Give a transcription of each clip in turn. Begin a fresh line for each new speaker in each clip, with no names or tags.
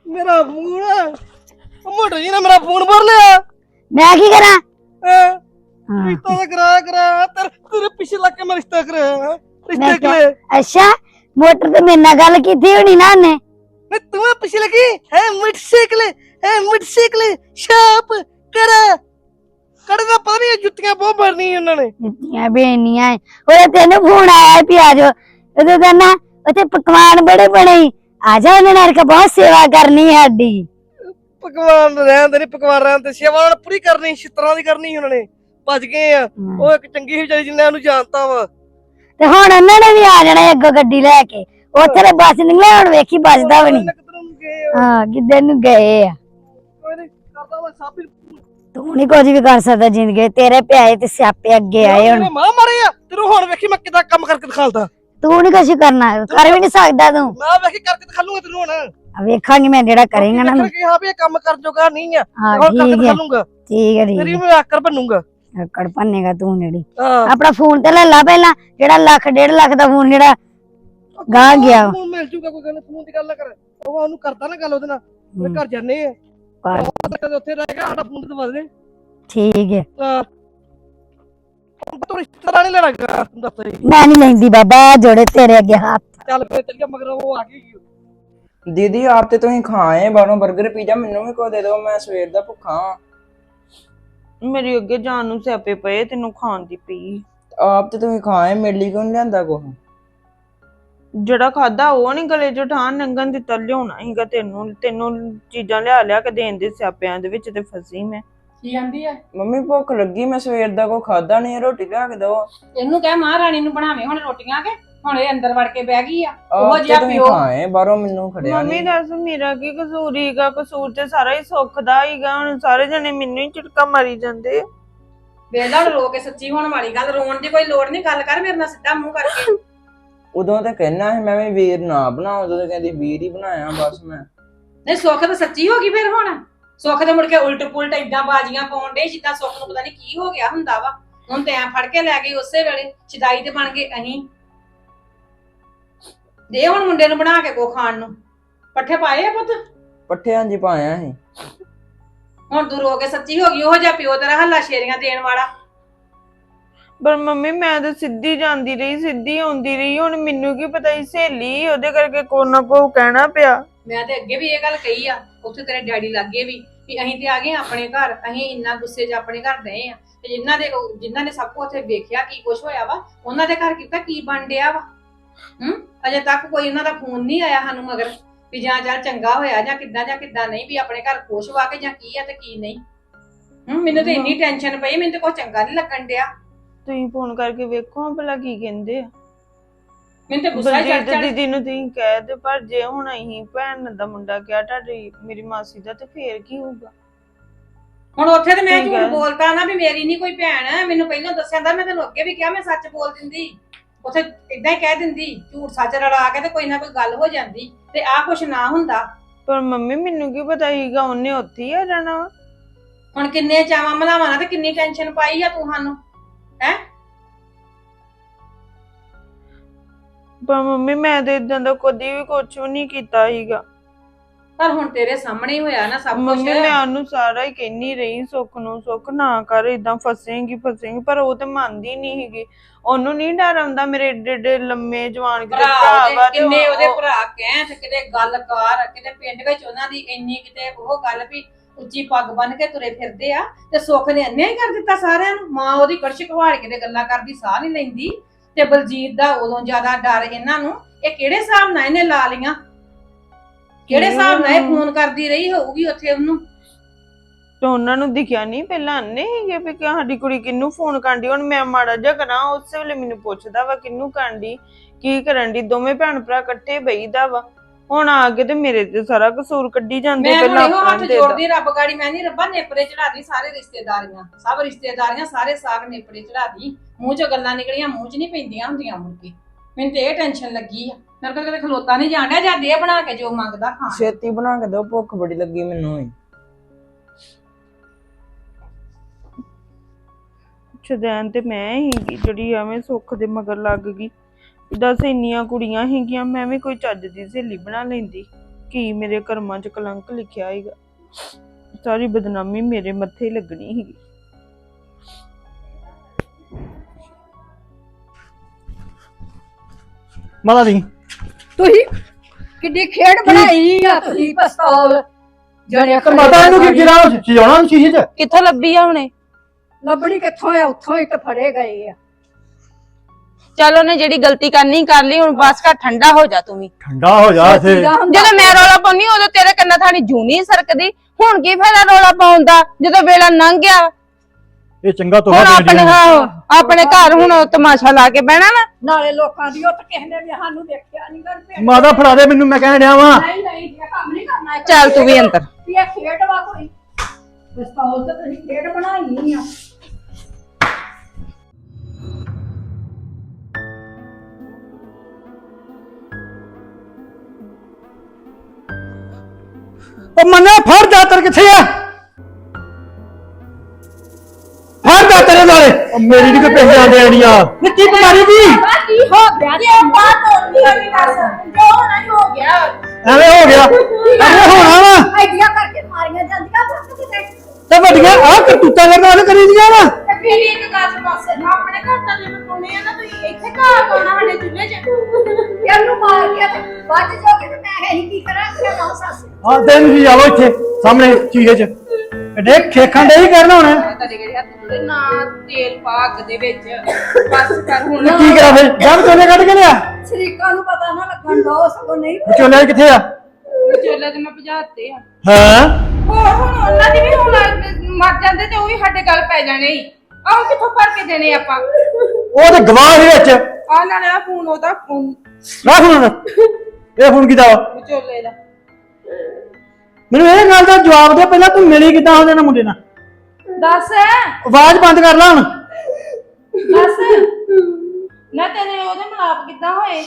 मेरा फोन मोटो जी ने मेरा फोन भर लिया।
मैं की करा?
रिश्ता तो कराया तेरे पीछे लग के मैं रिश्ता कराया रिश्ते के लिए।
अच्छा मोटर तो मेरे नाल गल कीती होनी ना ने।
तुम्हें पीछे लगी है मोटरसाइकिल शाप करा कड़दा पता नहीं जुत्तियां बहुत भरनी उन्होंने
जुत्तियां बेनियां ओए तेन फोन आया भी आ जाओ ओदे तो ना ओथे पकवान बड़े बने आ जाओ उन्होंने का बहुत सेवा करनी है हड्डी
पकवान रहन दे पकवान रहन दे सेवा उन्होंने पूरी करनी छितरां दी करनी उन्होंने भज गए आ ਉਹ ਇੱਕ ਚੰਗੀ ਹੀ ਵਿਚਾਰੀ ਜਿੰਨੇ ਉਹਨੂੰ ਜਾਣਤਾ ਵਾ
ਤੇ ਹੁਣ ਉਹਨਾਂ ਨੇ ਵੀ ਆ ਜਾਣਾ ਅੱਗੋਂ ਗੱਡੀ ਲੈ ਕੇ ਉੱਥੇ ਤੇ ਬੱਸ ਨਿਕਲਿਆ ਹੁਣ ਵੇਖੀ ਵੱਜਦਾ ਵੀ ਨਹੀਂ ਹਾਂ ਕਿੱਧਰ ਨੂੰ ਗਏ ਆ
ਕਰਦਾ ਮੈਂ ਸਾਪੀ
ਤੂੰ ਨਹੀਂ ਕੁਝ ਵੀ ਕਰ ਸਕਦਾ ਜ਼ਿੰਦਗੀ ਤੇਰੇ ਪਿਆਏ ਤੇ ਸਿਆਪੇ ਅੱਗੇ ਆਏ ਹੁਣ
ਮਾਂ ਮਾਰੇ ਆ ਤੈਨੂੰ ਹੁਣ ਵੇਖੀ ਮੈਂ ਕਿਦਾਂ ਕੰਮ ਕਰਕੇ ਦਿਖਾਲਦਾ
ਤੂੰ ਨਹੀਂ ਕੁਝ ਕਰਨਾ ਕਰ ਵੀ ਨਹੀਂ ਸਕਦਾ ਤੂੰ
ਮੈਂ ਵੇਖੀ ਕਰਕੇ ਦਿਖਾਲੂਗਾ ਤੈਨੂੰ ਹੁਣ
ਵੇਖਾਂਗੀ ਮੈਂ ਜਿਹੜਾ ਕਰੇਗਾ ਨਾ
ਹਾਂ ਵੀ ਇਹ ਕੰਮ ਕਰ ਜੋਗਾ ਨਹੀਂ ਆ
ਹੁਣ ਕਰਕੇ
ਦਿਖਾਲੂਗਾ
ਠੀਕ ਹੈ
ਤੇਰੀ ਮੈਂ ਆਕਰ ਬਣੂਗਾ
ਕੜ ਪੰਨੇਗਾ ਤੂੰ ਜਿਹੜੀ ਆਪਣਾ ਫੋਨ ਤੇ ਲੈ ਲਾ ਪਹਿਲਾਂ ਜਿਹੜਾ ਲੱਖ 1.5 ਲੱਖ ਦਾ ਫੋਨ ਜਿਹੜਾ ਗਾਹ ਗਿਆ
ਫੋਨ ਮਿਲ ਜੂਗਾ ਕੋਈ ਗੱਲ ਫੋਨ ਦੀ ਗੱਲ ਨਾ ਕਰ ਉਹ ਉਹਨੂੰ ਕਰਦਾ ਨਾ ਗੱਲ ਉਹਦੇ ਨਾਲ ਉਹਦੇ ਘਰ ਜਾਂਦੇ ਆ ਉੱਥੇ ਰਹਿ ਗਿਆ ਸਾਡਾ ਫੋਨ ਤੇ ਦਵਾ ਦੇ
ਠੀਕ ਹੈ
ਤੂੰ ਰਿਸ਼ਤੇਦਾਰ ਨਹੀਂ ਲੈਣਾ ਦੱਸ
ਮੈਂ ਨਹੀਂ ਲੈਂਦੀ ਬਾਬਾ ਜੋੜੇ ਤੇਰੇ ਅੱਗੇ ਹੱਥ
ਚੱਲ ਫੇਰ ਚੱਲ ਗਿਆ ਮਗਰ ਉਹ ਆ ਗਈ
दीदी आप तो तुम खाए बाहरों बर्गर पिज्जा मैनू भी को दे दो मैं सवेर दा भुखा हां
मेरी अगे जान नूं स्यापे पए तेनू खाण दी पई
आप तो तुम खाए मेरे लिए क्यों नहीं लियांदा कुछ
ਜਿਹੜਾ ਖਾਦਾ ਉਹ ਨਹੀਂ ਗਲੇ ਚੋਂ ਠਾਣ ਨੰਗਨ ਦਿੱਤਾ ਲਿਆਉਣਾ ਸੀਗਾ ਤੈਨੂੰ ਚੀਜ਼ਾਂ ਲਿਆ ਕੇ ਦੇਣ ਦੇ ਸਿਆਪਿਆਂ ਦੇ ਵਿੱਚ ਤੇ ਫਸੀ ਮੈਂ
ਕੀ ਆਂਦੀ ਆ
ਮੰਮੀ ਭੁੱਖ ਲੱਗੀ ਮੈਂ ਸਵੇਰ ਦਾ ਕੋਈ ਖਾਦਾ ਨਹੀਂ ਰੋਟੀ ਲਿਆ ਕੇ ਦੋ
ਇਹਨੂੰ ਕਹਿ ਮਹਾਰਾਣੀ ਨੂੰ ਬਣਾਵੇ ਹੁਣ ਰੋਟੀਆਂ ਕੇ ਹੁਣ ਇਹ ਅੰਦਰ ਵੜ ਕੇ ਬਹਿ ਗਈ ਆ ਉਹ ਜਿਹਾ ਪਿਓ
ਖਾਏ ਬਾਹਰੋਂ ਮੈਨੂੰ ਖੜਿਆ
ਮੰਮੀ ਦੱਸ ਮੇਰਾ ਕੀ ਕਸੂਰ ਹੀਗਾ ਕਸੂਰ ਤੇ ਸਾਰਾ ਹੀ ਸੁੱਖ ਦਾ ਹੀਗਾ ਹੁਣ ਸਾਰੇ ਜਣੇ ਮੈਨੂੰ ਹੀ ਝਟਕਾ ਮਾਰੀ ਜਾਂਦੇ
ਵੇਲਾ ਰੋ ਕੇ ਸੱਚੀ ਹੋਣ ਵਾਲੀ ਗੱਲ ਰੋਣ ਦੀ ਕੋਈ ਲੋੜ ਨਹੀਂ ਗੱਲ ਕਰ ਮੇਰੇ ਨਾਲ ਸਿੱਧਾ ਮੂੰਹ ਕਰਕੇ
ਉਦੋਂ ਤਾਂ ਕਹਿਣਾ ਸੀ ਮੈਂ ਵੀ ਵੀਰ ਨਾ ਬਣਾਉ ਉਦੋਂ ਤਾਂ ਕਹਿੰਦੀ ਵੀਰ ਹੀ ਬਣਾਇਆ ਬਸ ਮੈਂ
ਨਹੀਂ ਸੁੱਖ ਤਾਂ ਸੱਚੀ ਹੋ ਗਈ ਫਿਰ ਹੁਣ ਸੁੱਖ ਦੇ ਮੁੜ ਕੇ ਉਲਟ ਪੁਲਟ ਏਦਾਂ ਬਾਜੀਆਂ ਪਾਉਣ ਦੇ ਜਿੱਦਾਂ ਸੁੱਖ ਨੂੰ ਪਤਾ ਨਹੀਂ ਕੀ ਹੋ ਗਿਆ ਹੁੰਦਾ ਵਾ ਹੁਣ ਤੇ ਐ ਫੜ ਕੇ ਲੈ ਗਈ ਉਸੇ ਵੇਲੇ ਛਦਾਈ ਤੇ ਬਣ ਗਏ ਅਹੀਂ ਦੇ ਹੁਣ ਮੁੰਡੇ ਨੂੰ ਬਣਾ ਕੇ ਕੋ ਖਾਣ ਨੂੰ ਪੱਠੇ ਪਾਏ ਆ ਪੁੱਤ
ਪੱਠਿਆਂ 'ਚ ਪਾਇਆ ਸੀ
ਹੁਣ ਤੂੰ ਰੋ ਕੇ ਸੱਚੀ ਹੋ ਗਈ ਉਹ ਜਿਹਾ ਪਿਓ ਤੇਰਾ ਹੱਲਾ ਸ਼ੇਰੀਆਂ ਦੇਣ ਵਾਲਾ
ਪਰ ਮੰਮੀ ਮੈਂ ਤਾਂ ਸਿੱਧੀ ਜਾਂਦੀ ਰਹੀ ਸਿੱਧੀ ਆਉਂਦੀ ਰਹੀ ਹੁਣ ਮੈਨੂੰ ਕੀ ਪਤਾ ਸੀ ਸਹੇਲੀ ਉਹਦੇ ਕਰਕੇ ਕੋਈ ਨਾ ਕੋਈ ਕਹਿਣਾ ਪਿਆ
ਮੈਂ ਤੇ ਅੱਗੇ ਵੀ ਇਹ ਗੱਲ ਕਹੀ ਆ ਉੱਥੇ ਤੇਰੇ ਡੈਡੀ ਲੱਗੇ ਵੀ ਅਸੀਂ ਤੇ ਆ ਗਏ ਆਪਣੇ ਘਰ ਅਸੀਂ ਇੰਨਾ ਗੁੱਸੇ 'ਚ ਆਪਣੇ ਘਰ ਗਏ ਆ ਤੇ ਜਿਨ੍ਹਾਂ ਨੇ ਸਭ ਕੁਝ ਉੱਥੇ ਵੇਖਿਆ ਕੀ ਕੁਛ ਹੋਇਆ ਵਾ ਉਹਨਾਂ ਦੇ ਘਰ ਕੀਤਾ ਕੀ ਬਣ ਡਿਆ ਵਾ ਅਜੇ ਤੱਕ ਕੋਈ ਉਹਨਾਂ ਦਾ ਫੋਨ ਨਹੀਂ ਆਇਆ ਸਾਨੂੰ ਮਗਰ ਵੀ ਜਾਂ ਚੱਲ ਚੰਗਾ ਹੋਇਆ ਜਾਂ ਕਿੱਦਾਂ ਨਹੀਂ ਵੀ ਆਪਣੇ ਘਰ ਖੁਸ਼ ਵਾ ਕੇ ਜਾਂ ਕੀ ਆ ਤੇ ਕੀ ਨਹੀਂ ਮੈਨੂੰ ਤੇ ਇੰਨੀ ਟੈਨਸ਼ਨ ਪਈ ਮੈਨੂੰ ਤੇ ਕੁਝ ਚੰਗਾ ਨਹੀਂ ਲੱਗਣ ਡਿਆ
ਤੁਸੀਂ ਫੋਨ ਕਰਕੇ ਵੇਖੋ ਭਲਾ ਕੀ ਕਹਿੰਦੇ ਆ
ਮੈਨੂੰ ਤੇ ਗੁੱਸਾ ਚੜ
ਦੀਦੀ ਨੂੰ ਤੁਸੀਂ ਕਹਿ ਦੇ ਪਰ ਜੇ ਹੁਣ ਅਸੀਂ ਭੈਣ ਦਾ ਮੁੰਡਾ ਕਿਹਾ ਤੁਹਾਡੀ ਮੇਰੀ ਮਾਸੀ ਦਾ ਤੇ ਫੇਰ ਕੀ ਹੋਊਗਾ
ਹੁਣ ਉੱਥੇ ਤੇ ਮੈਂ ਝੂਠ ਬੋਲਤਾ ਨਾ ਵੀ ਮੇਰੀ ਨਹੀਂ ਕੋਈ ਭੈਣ ਮੈਨੂੰ ਪਹਿਲਾਂ ਦੱਸਿਆ ਮੈਂ ਤੈਨੂੰ ਅੱਗੇ ਵੀ ਕਿਹਾ ਮੈਂ ਸੱਚ ਬੋਲ ਦਿੰਦੀ ਉੱਥੇ ਇਦਾਂ ਹੀ ਕਹਿ ਦਿੰਦੀ ਝੂਠ ਸੱਚ ਰਲਾ ਕੇ ਤੇ ਕੋਈ ਨਾ ਕੋਈ ਗੱਲ ਹੋ ਜਾਂਦੀ ਤੇ ਆਹ ਕੁਛ ਨਾ ਹੁੰਦਾ
ਪਰ ਮੰਮੀ ਮੈਨੂੰ ਕੀ ਪਤਾ ਸੀਗਾ ਉਹਨੇ ਉੱਥੇ ਹੀ ਆ ਜਾਣਾ
ਹੁਣ ਕਿੰਨੇ ਚਾਵਾਂ ਮਲਾਵਾਂ ਨਾਲ ਤੇ ਕਿੰਨੀ ਟੈਨਸ਼ਨ ਪਾਈ ਆ ਤੂੰ ਸਾਨੂੰ ਹੈ
ਪਰ ਮੰਮੀ ਮੈਂ ਤੇ ਇਦਾਂ ਦਾ ਕਦੀ ਵੀ ਕੁਝ ਵੀ ਨਹੀਂ ਕੀਤਾ ਸੀਗਾ
ਪਰ ਹੁਣ ਤੇਰੇ ਸਾਹਮਣੇ ਹੀ ਹੋਇਆ ਨਾ ਸਭ ਕੁਝ
ਮੰਮੀ ਮੈਂ ਉਹਨੂੰ ਸਾਰਾ ਹੀ ਕਹਿੰਨੀ ਰਹੀ ਸੁੱਖ ਨੂੰ ਸੁੱਖ ਨਾ ਕਰ ਇਦਾਂ ਫਸੇਂਗੀ ਪਰ ਉਹ ਤੇ ਮੰਨਦੀ ਨਹੀਂ ਸੀਗੀ ਉਹਨੂੰ ਨਹੀਂ ਡਰ ਆਉਂਦਾ ਮੇਰੇ ਏਡੇ ਲੰਮੇ ਜਵਾਨ ਕਿਤੇ ਭਰਾ ਵਾ
ਕਿੰਨੇ ਉਹਦੇ ਭਰਾ ਕਹਿ ਤੇ ਕਿਤੇ ਗੱਲ ਕਰ ਕਿਤੇ ਪਿੰਡ ਵਿੱਚ ਉਹਨਾਂ ਦੀ ਇੰਨੀ ਕਿਤੇ ਉਹ ਗੱਲ ਵੀ ਉੱਚੀ ਪੱਗ ਬੰਨ ਕੇ ਤੁਰੇ ਫਿਰਦੇ ਆ ਤੇ ਸੁੱਖ ਨੇ ਅੰਨਿਆ ਹੀ ਕਰ ਦਿੱਤਾ ਸਾਰਿਆਂ ਨੂੰ ਮਾਂ ਉਹਦੀ ਕੜਛ ਘਵਾੜ ਕੇ ਤੇ ਗੱਲਾਂ ਕਰਦੀ ਸਾਹ ਨਹੀਂ ਲੈਂਦੀ ਤੇ ਬਲਜੀਤ ਦਾ ਉਦੋਂ ਜ਼ਿਆਦਾ ਡਰ ਇਹਨਾਂ ਨੂੰ ਇਹ ਕਿਹੜੇ ਹਿਸਾਬ ਨਾਲ ਇਹਨੇ ਲਾ ਲੀਆਂ ਕਿਹੜੇ ਹਿਸਾਬ ਨਾਲ ਇਹ ਫੋਨ ਕਰਦੀ ਰਹੀ ਹੋਊਗੀ ਉੱਥੇ ਉਹਨੂੰ
ਤੇ ਉਹਨਾਂ ਨੂੰ ਦਿਖਿਆ ਨਹੀਂ ਪਹਿਲਾਂ ਅੰਨੇ ਸੀਗੇ ਵੀ ਕਿ ਸਾਡੀ ਕੁੜੀ ਕਿਹਨੂੰ ਫੋਨ ਕਰਦੀ ਹੁਣ ਮੈਂ ਮਾੜਾ ਜਿਹਾ ਕਰਾਂ ਉਸੇ ਵੇਲੇ ਮੈਨੂੰ ਪੁੱਛਦਾ ਵਾ ਕਿਹਨੂੰ ਕਰਦੀ ਕੀ ਕਰਨ ਦੀ ਦੋਵੇਂ ਭੈਣ ਭਰਾ ਇਕੱਠੇ ਬਈਦਾ ਵਾ ਹੁਣ ਆ ਕੇ ਤੇ ਮੇਰੇ ਤੇ ਸਾਰਾ ਕਸੂਰ ਕੱਢੀ ਜਾਂਦੇ
ਪਹਿਲਾਂ ਮੈਂ ਹੱਥ ਜੋੜਦੀ ਰੱਬ ਗਾੜੀ ਮੈਂ ਨਹੀਂ ਰੱਬਾ ਨੇਪਰੇ ਚੜਾਦੀ ਸਾਰੇ ਰਿਸ਼ਤੇਦਾਰੀਆਂ ਸਾਰੇ ਸਾਗ ਨੇਪਰੇ ਚੜਾਦੀ ਮੂੰਹ ਚੋਂ ਗੱਲਾਂ ਨਿਕਲੀਆਂ ਮੂੰਹ 'ਚ ਨਹੀਂ ਪੈਂਦੀਆਂ ਹੁੰਦੀਆਂ ਮੁੜ ਕੇ ਮੈਨੂੰ ਤੇ ਇਹ ਟੈਨਸ਼ਨ ਲੱਗੀ ਆ ਮੇਰੇ ਕੋਲ ਕਦੇ ਖਲੋਤਾ ਨਹੀਂ ਜਾਣ ਡਿਆ ਜਾਂ ਦੇ ਬਣਾ ਕੇ ਜੋ ਮੰਗਦਾ ਖਾਣ
ਛੇਤੀ ਬਣਾ ਕੇ ਦਿਓ ਭੁੱਖ ਬੜੀ ਲੱਗੀ ਮੈਨੂੰ ਵੀ
ਛਦੈਨ ਤੇ ਮੈਂ ਹੀਗੀ ਜਿਹੜੀ ਐਵੇਂ ਸੁੱਖ ਦੇ ਮਗਰ ਲੱਗ ਗਈ ਦੱਸ ਇੰਨੀਆਂ ਕੁੜੀਆਂ ਹੀਗੀਆਂ ਮੈਂ ਵੀ ਕੋਈ ਚੱਜ ਦੀ ਸਹੇਲੀ ਬਣਾ ਲੈਂਦੀ ਕੀ ਮੇਰੇ ਕਰਮਾਂ 'ਚ ਕਲੰਕ ਲਿਖਿਆ ਹੈਗਾ, ਸਾਰੀ ਬਦਨਾਮੀ ਮੇਰੇ ਮੱਥੇ ਹੀ ਲੱਗਣੀ ਸੀਗੀ।
ਮਾਤਾ ਜੀ
ਤੁਸੀਂ ਕਿੱਡੀ ਖੇਡ ਬਣਾਈ ਆ ਤੁਸੀਂ ਪਿਸਤੌਲ ਜਿਹੜੇ
ਮਾਤਾ ਇਹਨੂੰ ਕੀ ਗਿਰਾ ਸਜਾਉਣਾ ਸ਼ੀਸ਼ੇ 'ਚ?
ਕਿੱਥੋਂ ਲੱਭੀ ਆ ਹੁਣੇ?
ਲੱਭਣੀ ਕਿੱਥੋਂ ਆ, ਉੱਥੋਂ ਹੀ ਤਾਂ ਫੜੇ ਗਏ ਆ।
ਚੱਲ ਉਹਨੇ ਜਿਹੜੀ ਗਲਤੀ ਕਰਨੀ ਕਰ ਲਈ, ਹੁਣ ਬਸ ਕਰ ਠੰਡਾ ਹੋ ਜਾ ਤੂੰ ਵੀ।
ਠੰਡਾ ਹੋ ਜਾ ਇੱਥੇ।
ਜਦੋਂ ਮੈਂ ਰੌਲਾ ਪਾਉਣੀ ਉਦੋਂ ਤੇਰੇ ਕੰਨਾਂ ਥਾਣੀ ਜੂਨੀ ਸਰਕਦੀ, ਹੁਣ ਕੀ ਫਾਇਦਾ ਰੌਲਾ ਪਾਉਣ ਦਾ ਜਦੋਂ ਵੇਲਾ ਲੰਘ ਗਿਆ।
ਇਹ ਚੰਗਾ ਤੋਹਫਾ
ਹੁਣ
ਦੇ
ਆਪਣੇ ਆਪਣੇ ਘਰ ਹੁਣ ਤਮਾਸ਼ਾ ਲਾ ਕੇ ਬਹਿਣਾ ਨਾ।
ਨਾਲੇ ਲੋਕਾਂ ਦੀ ਉਹ ਤਾਂ ਕਿਸੇ ਨੇ ਵੀ ਸਾਨੂੰ ਦੇਖਿਆ ਨਹੀਂ ਕਰਦੇ।
ਮਾਤਾ ਫੜਾ ਦੇ ਮੈਨੂੰ, ਮੈਂ ਕਹਿਣ ਡਿਆ ਵਾਂ।
ਨਹੀਂ ਨਹੀਂ ਇਹ ਕੰਮ ਨਹੀਂ ਕਰਨਾ।
ਚੱਲ ਤੂੰ ਵੀ ਅੰਦਰ।
ਇਹ ਖੇਡ ਵਾ ਕੋਈ, ਪਿਸਤੌਲ ਤੇ ਤੁਸੀਂ ਖੇਡ ਬਣਾਈ ਆ।
ਉਹ ਮੰਨੇ ਫੜ ਦਾਤਰ ਕਿੱਥੇ ਆ? ਫੜ ਦਾਤਰ ਨਾਲੇ। ਉਹ ਮੇਰੀ ਨਹੀਂ ਕੋਈ ਪੈਸੇ ਆਂਦੇ ਆਣੀਆਂ। ਨੀ ਕੀ ਬਿਮਾਰੀ ਦੀ?
ਕੀ ਹੋ ਗਿਆ ਜੇ ਬਾਤ ਹੋਣੀ ਆ ਨਹੀਂ ਦੱਸ ਜੋ ਨਹੀਂ ਹੋ ਗਿਆ।
ਐਵੇਂ ਹੋ ਗਿਆ, ਐਵੇਂ ਹੋਣਾ ਵਾ।
ਆਈਡੀਆ ਕਰਕੇ ਮਾਰੀਆਂ ਜਾਂਦੀਆਂ ਫੱਕ ਕਿਤੇ।
ਤੇ ਵੱਡੀਆਂ ਆਹ ਕਰਤੂਤਾਂ ਕਰਨ ਵਾਲੇ ਕਰੀ ਦੀਆਂ ਵਾ।
ਮੇਰੀ ਇੱਕ ਗੱਲ ਪਾਸੇ ਨਾ ਆਪਣੇ ਘਰ ਦਾ ਲਿਮ ਪਾਉਣੇ ਆ ਨਾ, ਤੁਸੀਂ ਇੱਥੇ ਘਰ ਪਾਉਣਾ ਸਾਡੇ ਚੁੱਲ੍ਹੇ 'ਚ। ਇਹਨੂੰ ਮਾਰ ਕੇ ਤੇ ਵੱਜ ਜਾਓਗੇ ਤੇ ਮੈਂ ਇਹੀ ਕੀ ਕਰਾਂ ਕਿ ਨਾ ਸੱਸ।
ਆ ਤੈਨੂੰ ਵੀ ਆਵੋ ਇੱਥੇ ਸਾਹਮਣੇ ਚੀਜ਼ੇ 'ਚ ਐਡੇ ਖੇਖਾਂ ਦੇ ਹੀ ਕਰਨਾ ਹੁਣ।
ਨਾ ਤੇਲ ਪਾ ਅੱਗ ਦੇ ਵਿੱਚ ਬਸ ਕਰ ਹੁਣ।
ਕੀ ਕਰਾਂ ਫਿਰ? ਜਦ ਚੋਲੇ ਕੱਢ ਕੇ ਲਿਆ
ਸ਼ਰੀਕਾਂ ਨੂੰ ਪਤਾ ਨਾ ਲੱਗਣ ਦੋ, ਸਗੋਂ ਨਹੀਂ
ਚੋਲੇ ਕਿੱਥੇ ਆ?
ਚੋਲੇ ਤੇ ਮੈਂ ਭਜਾਤੇ ਆ।
ਹਾਂ
ਹੋਰ ਹੁਣ ਉਹਨਾਂ ਦੀ ਵੀ ਹੁਣ ਮਰ ਜਾਂਦੇ ਤੇ ਉਹ ਵੀ ਸਾਡੇ ਗੱਲ ਪੈ ਜਾਣੇ ਹੀ। ਆਹ ਕਿੱਥੋਂ ਭਰ ਕੇ ਦੇਣੇ ਆਪਾਂ?
ਉਹ ਤੇ ਗਵਾਹ ਦੇ ਵਿੱਚ
ਆ ਨਾਲੇ ਆ ਫੋਨ ਉਹਦਾ ਫੋਨ
ਰੱਖ ਹੁਣ। ਇਹ ਫੋਨ ਕੀਤਾ ਵਾ?
ਚੋਲੇ ਦਾ।
ਮੈਨੂੰ ਇਹ ਗੱਲ ਦਾ ਜਵਾਬ ਦੇ, ਪਹਿਲਾਂ ਤੂੰ ਮਿਲੀ ਕਿੱਦਾਂ ਉਹਦੇ ਨਾਲ ਮੁੰਡੇ ਨਾਲ?
ਦੱਸ
ਆਵਾਜ਼ ਬੰਦ ਕਰ ਲੈ ਹੁਣ।
ਦੱਸ ਨਾ ਤੇਰੇ ਉਹਦੇ ਮਲਾਪ ਕਿੱਦਾਂ ਹੋਏ?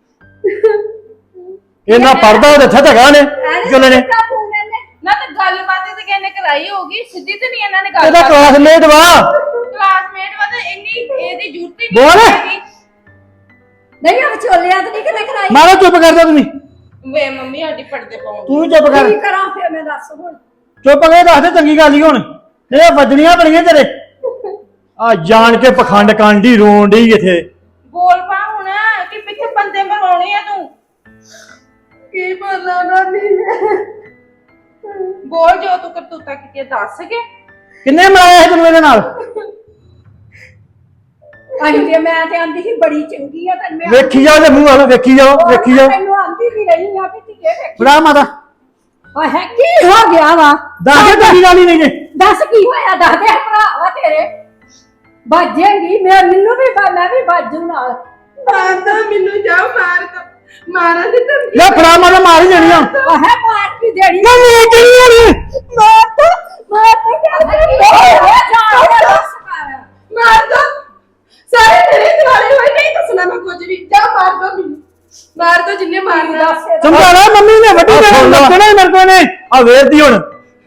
ਇਹਨਾਂ ਪੜਦਾ ਉਹਦੇ ਇੱਥੇ ਧਗਾ ਨੇ ਚੋਲੇ ਨੇ।
ਨਾ ਤਾਂ ਗੱਲਬਾਤ ਤੇ ਕਿਹਨੇ ਕਰਾਈ ਹੋਗੀ, ਸਿੱਧੀ ਤੇ ਨਹੀਂ ਇਹਨਾਂ ਨੇ ਗੱਲ
ਇਹਦਾ ਕਲਾਸਮੇਟ ਵਾ।
ਕਲਾਸਮੇਟ ਵਾ ਤੇ ਇੰਨੀ ਇਹਦੀ ਜ਼ਰੂਰਤ ਹੀ
ਬੋਲ।
ਨਹੀਂ ਹੈਗੀ।
ਨਹੀਂ ਆ ਵਿਚੋਲਿਆਂ ਤੇ ਨਹੀਂ ਕਿਤੇ ਕਰਾਈ।
ਮਾਰੋ ਚੁੱਪ ਕਰ ਜਾ ਤੁਸੀਂ।
ਵੇ ਮੰਮੀ ਸਾਡੀ ਪੜਦੇ ਪਾਉਂ।
ਤੂੰ ਵੀ ਚੁੱਪ ਕਰ।
ਕੀ ਕਰਾਂ ਫਿਰ ਮੈਂ ਦੱਸ ਹੁਣ।
ਚੁੱਪ ਕਰਕੇ ਦੱਸ ਦੇ, ਚੰਗੀ ਗੱਲ ਹੀ ਹੁਣ। ਇਹ ਵੱਜਣੀਆਂ ਬੜੀਆਂ ਤੇਰੇ। ਆ ਜਾਣ ਕੇ ਪਖੰਡ ਕਾਂਡੀ ਰੋਣ ਡਈ ਇੱਥੇ।
ਬੋਲ ਪਾ ਹੁਣ ਕਿ ਪਿੱਛੇ ਬੰਦੇ ਮਰਾਉਣੇ ਆ ਤੂੰ।
ਕੀ ਬੋਲਾਂ ਨਾ ਨਹੀਂ।
ਬੋਲ ਜੋ ਤੂੰ ਕਰਤੂਤਾ ਕੀਤੀ ਆ, ਦੱਸ ਕੇ।
ਕਿੰਨੇ ਮਰਾਇਆ ਸੀ ਤੈਨੂੰ ਇਹਦੇ ਨਾਲ?
ਅਹੀਂ ਤੇ ਮੈਂ ਤੇ ਆਂਦੀ ਸੀ ਬੜੀ ਚੰਗੀ ਆ ਤੈਨੂੰ।
ਵੇਖੀ ਜਾ ਉਹਦੇ ਮੂੰਹ ਵੱਲ, ਵੇਖੀ ਜਾਓ ਵੇਖੀ ਜਾਓ।
ਤੈਨੂੰ ਆਂਦੀ ਵੀ ਰਹੀ ਆ ਕਿ ਧੀਏ ਵੇਖੀ।
ਫੜਾ ਮਾਤਾ
ਆਹ ਕੀ ਹੋ ਗਿਆ ਵਾ?
ਦੱਸ ਦੇ ਤੇਰੀ ਨਾਲ ਹੀ ਨਹੀਂ ਜੇ।
ਦੱਸ ਕੀ ਹੋਇਆ? ਦੱਸ ਦੇ ਭਰਾ ਵਾ ਤੇਰੇ। ਬਾਜੇਂਗੀ ਮੈਨੂੰ ਵੀ ਮੈਂ ਵੀ ਬਾਜੂ ਨਾਲ।
ਮਾਰਦਾ ਮੈਨੂੰ ਜਾ ਮਾਰਦਾ ਮਾਰਾਂ ਦੇ ਤੇ
ਲੈ ਫੜਾ ਮਾਤਾ, ਮਾਰ ਹੀ ਦੇਣੀ ਆ।
ਆਹ ਮਾਰ ਕੀ ਦੇਣੀ।
ਮੈਂ ਨਹੀਂ ਦੇਣੀ।
ਮਾਰ ਤੇ
ਮਾਰ ਦੋ ਸਾਰੇ ਮੇਰੇ ਦਿਵਾਲੇ ਹੋਏ, ਨਹੀਂ ਦੱਸਣਾ ਮੈਂ ਕੁਝ ਵੀ। ਜਾ ਮਾਰ ਦੋ ਮੈਨੂੰ, ਮਾਰ ਦੋ ਜਿੰਨੇ ਮਾਰਨਾ।
ਸਮਝਾ ਲੈ, ਮੰਮੀ ਨੇ ਵੱਡੀ ਦੇਣੀ ਲੱਗਣਾ ਮੇਰੇ ਕੋਲ ਨੇ। ਆ ਵੇਰਦੀ ਹੁਣ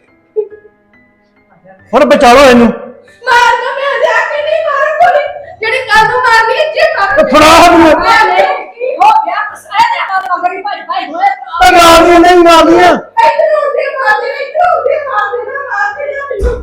ਬਚਾ ਲਓ ਇਹਨੂੰ।
ਮਾਰ ਦੋ, ਮੈਂ ਜਾ ਕੇ ਨਹੀਂ ਮਾਰਾਂ ਕੋਈ ਜਿਹੜੀ ਕੱਲ ਨੂੰ ਮਾਰਨੀ ਹੈ ਜੇ ਮਾਰ।
ਫੜਾ ਮੈਨੂੰ।
ਕੀ ਹੋ ਗਿਆ? ਕਸਾਇ ਦੇ ਨਾਲ ਮਗਰੀ ਭਾਈ ਭਾਈ ਹੋਏ।
ਤਾਂ ਮਾਰਦੀਆਂ ਨਹੀਂ ਮਾਰਦੀਆਂ।
ਇੱਧਰ ਉੱਤੇ ਮਾਰ ਦੇ, ਇੱਧਰ ਉੱਤੇ ਮਾਰ ਦੇ ਨਾ, ਮਾਰ ਦੇ ਨਾ ਮੈਨੂੰ।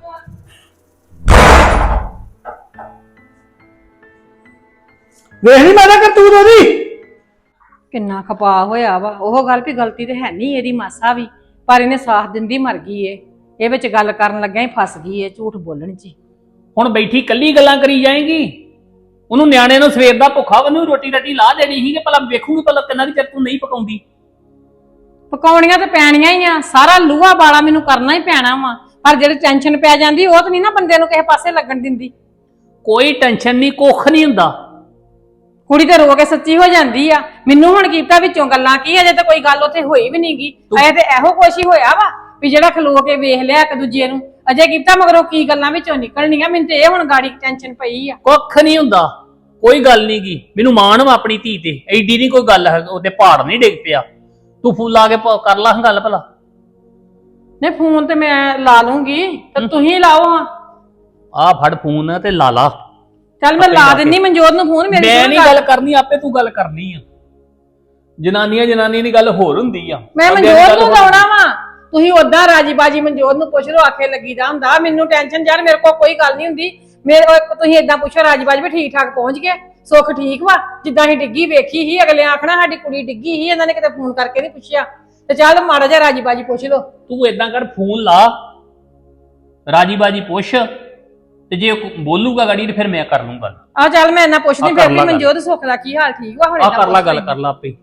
ਵੇਖ ਨਹੀਂ ਮਾਤਾ ਕਰਤੂਤ ਉਹਦੀ।
ਕਿੰਨਾ ਖਪਾ ਹੋਇਆ ਵਾ। ਉਹ ਗੱਲ ਵੀ ਗਲਤੀ ਤੇ ਹੈ ਨਹੀਂ ਇਹਦੀ ਮਾਸਾ ਵੀ, ਪਰ ਇਹਨੇ ਸਾਥ ਦਿੰਦੀ ਮਰ ਗਈ ਏ। ਇਹ ਵਿੱਚ ਗੱਲ ਕਰਨ ਲੱਗਿਆ ਹੀ ਫਸ ਗਈ ਏ ਝੂਠ ਬੋਲਣ 'ਚ।
ਹੁਣ ਬੈਠੀ ਕੱਲੀ ਗੱਲਾਂ ਕਰੀ ਜਾਏਗੀ। ਉਹਨੂੰ ਨਿਆਣੇ ਨੂੰ ਸਵੇਰ ਦਾ ਭੁੱਖਾ, ਉਹਨੂੰ ਰੋਟੀ ਰੱਟੀ ਲਾ ਦੇਣੀ ਸੀ ਕਿ ਭਲਾ ਵੇਖੂਗੀ ਭਲਾ ਕਿੰਨਾ ਦੀ ਚਿਰ ਤੂੰ ਨਹੀਂ ਪਕਾਉਂਦੀ।
ਪਕਾਉਣੀਆਂ ਤੇ ਪੈਣੀਆਂ ਹੀ ਆ, ਸਾਰਾ ਲੂਹਾ ਬਾਲਾ ਮੈਨੂੰ ਕਰਨਾ ਹੀ ਪੈਣਾ ਵਾ। ਪਰ ਜਿਹੜੀ ਟੈਨਸ਼ਨ ਪੈ ਜਾਂਦੀ ਉਹ ਤਾਂ ਨਹੀਂ ਨਾ ਬੰਦੇ ਨੂੰ ਕਿਸੇ ਪਾਸੇ ਲੱਗਣ ਦਿੰਦੀ।
ਕੋਈ ਟੈਨਸ਼ਨ ਨਹੀਂ, ਕੁੱਖ ਨਹੀਂ ਹੁੰਦਾ।
ਕੁੜੀ ਤੇ ਰੋ ਕੇ ਸੱਚੀ ਹੋ ਜਾਂਦੀ ਆ। ਮੈਨੂੰ ਹੁਣ ਕੀਤਾ ਵਿੱਚੋਂ ਗੱਲਾਂ ਕੀ, ਅਜੇ ਤਾਂ ਕੋਈ ਗੱਲ ਉੱਥੇ ਹੋਈ ਵੀ ਨਹੀਂਗੀ। ਅਜੇ ਤੇ ਇਹੋ ਕੁਛ ਹੀ ਹੋਇਆ ਵਾ ਵੀ ਜਿਹੜਾ ਖਲੋ ਕੇ ਵੇਖ ਲਿਆ ਇੱਕ ਦੂਜੇ ਨੂੰ। ਅਜੇ ਕੀਤਾ ਮਗਰੋਂ ਕੀ ਗੱਲਾਂ ਵਿੱਚੋਂ ਨਿਕਲਣੀਆਂ। ਮੈਨੂੰ ਤੇ ਇਹ ਹੁਣ ਗਾੜੀ ਟੈਨਸ਼ਨ ਪਈ ਆ।
ਕੁੱਖ ਨਹੀਂ ਹੁੰਦਾ, ਕੋਈ ਗੱਲ ਨਹੀਂ ਗੀ। ਮੈਨੂੰ ਮਾਣ ਵਾ ਆਪਣੀ ਧੀ ਤੇ, ਐਡੀ ਨਹੀਂ ਕੋਈ ਗੱਲ ਹੈ। ਉਹਦੇ ਪਹਾੜ ਨਹੀਂ ਡਿੱਗ ਪਿਆ। ਤੂੰ ਫੋਨ ਲਾ ਕੇ ਕਰ ਲਾ ਗੱਲ ਭਲਾ।
ਨਹੀਂ ਫੋਨ ਤੇ ਮੈਂ ਲਾ ਲੂੰਗੀ ਤੇ ਤੁਸੀਂ ਲਾਓ ਹਾਂ।
ਆ ਫੜ ਫੋਨ ਤੇ ਲਾ ਲਾ।
ਚੱਲ ਮੈਂ ਲਾ ਦਿੰਨੀ ਮਨਜੋਤ ਨੂੰ ਫੋਨ।
ਮੈਂ ਨਹੀਂ ਗੱਲ ਕਰਨੀ, ਆਪੇ ਤੂੰ ਗੱਲ ਕਰਨੀ ਆ। ਜਨਾਨੀਆਂ ਦੀ ਗੱਲ ਹੋਰ ਹੁੰਦੀ ਆ।
ਮੈਂ
ਬੰਦਿਆਂ ਦੀ
ਮਨਜੋਤ
ਗੱਲ
ਨੂੰ
ਹੋਰ-
ਲਾਉਣਾ ਵਾ, ਤੁਸੀਂ ਉਦਾਂ ਰਾਜੀ ਬਾਜੀ ਮਨਜੋਤ ਨੂੰ ਪੁੱਛ ਲਓ, ਆਖੇ ਲੱਗੀਦਾ ਹੁੰਦਾ। ਮੈਨੂੰ ਟੈਨਸ਼ਨ ਯਾਰ, ਮੇਰੇ ਕੋਲ ਕੋਈ ਗੱਲ ਨਹੀਂ ਹੁੰਦੀ। ਮੇਰੇ ਤੁਸੀਂ ਏਦਾਂ ਪੁੱਛੋ ਰਾਜੀ ਬਾਜੀ ਵੀ ਠੀਕ ਠਾਕ ਪਹੁੰਚ ਗਏ, ਸੁੱਖ ਠੀਕ ਵਾ। ਜਿੱਦਾਂ ਹੀ ਡਿੱਗੀ ਵੇਖੀ ਸੀ, ਅਗਲੇ ਆਖਣਾ ਸਾਡੀ ਕੁੜੀ ਡਿੱਗੀ ਸੀ, ਇਹਨਾਂ ਨੇ ਕਿਤੇ ਫੋਨ ਕਰਕੇ ਨਹੀਂ ਪੁੱਛਿਆ। ਤੇ ਚੱਲ ਮਾੜਾ ਜਿਹਾ ਰਾਜੀ ਬਾਜੀ ਪੁੱਛ ਲਓ।
ਤੂੰ ਏਦਾਂ ਕਰ, ਫੋਨ ਲਾ, ਰਾਜੀ ਬਾਜੀ ਪੁੱਛ, ਤੇ ਜੇ ਉਹ ਬੋਲੂਗਾ ਗਾੜੀ ਤੇ ਫਿਰ ਮੈਂ ਕਰ ਲੂੰ ਗੱਲ।
ਆ ਚੱਲ ਮੈਂ ਇਹਨਾਂ ਪੁੱਛਦੀ
ਆ
ਫਿਰ
ਕਰ
ਵੀ
ਲਾ ਗੱਲ।
ਮਨਜੋਤ ਸੁੱਖ ਦਾ ਕੀ ਹਾਲ ਠੀਕ ਵਾ ਹੁਣ?
ਆ
ਏਦਾਂ
ਕਰ ਲਾ
ਪੁੱਛ
ਗੱਲ,
ਲੈਂਦੀ।
ਕਰ ਲਾ ਆਪੇ।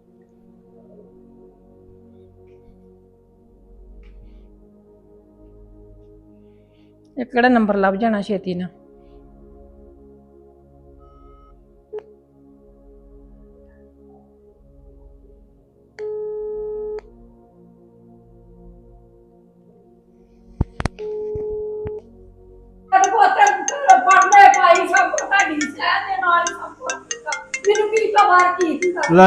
ਇਹ ਕਿਹੜਾ ਨੰਬਰ ਲੱਭ ਜਾਣਾ ਛੇਤੀ ਨਾਲ।
ਪੜਨੇ ਪਾਈ ਸਭ ਕੁਝ ਸਾਡੀ ਸਹਿ ਦੇ ਨਾਲ ਹੀ ਸਭ ਕੁਝ ਕੀਤਾ। ਮੈਨੂੰ ਕੀ ਖਬਰ ਕੀ ਸੀ
ਲੈ।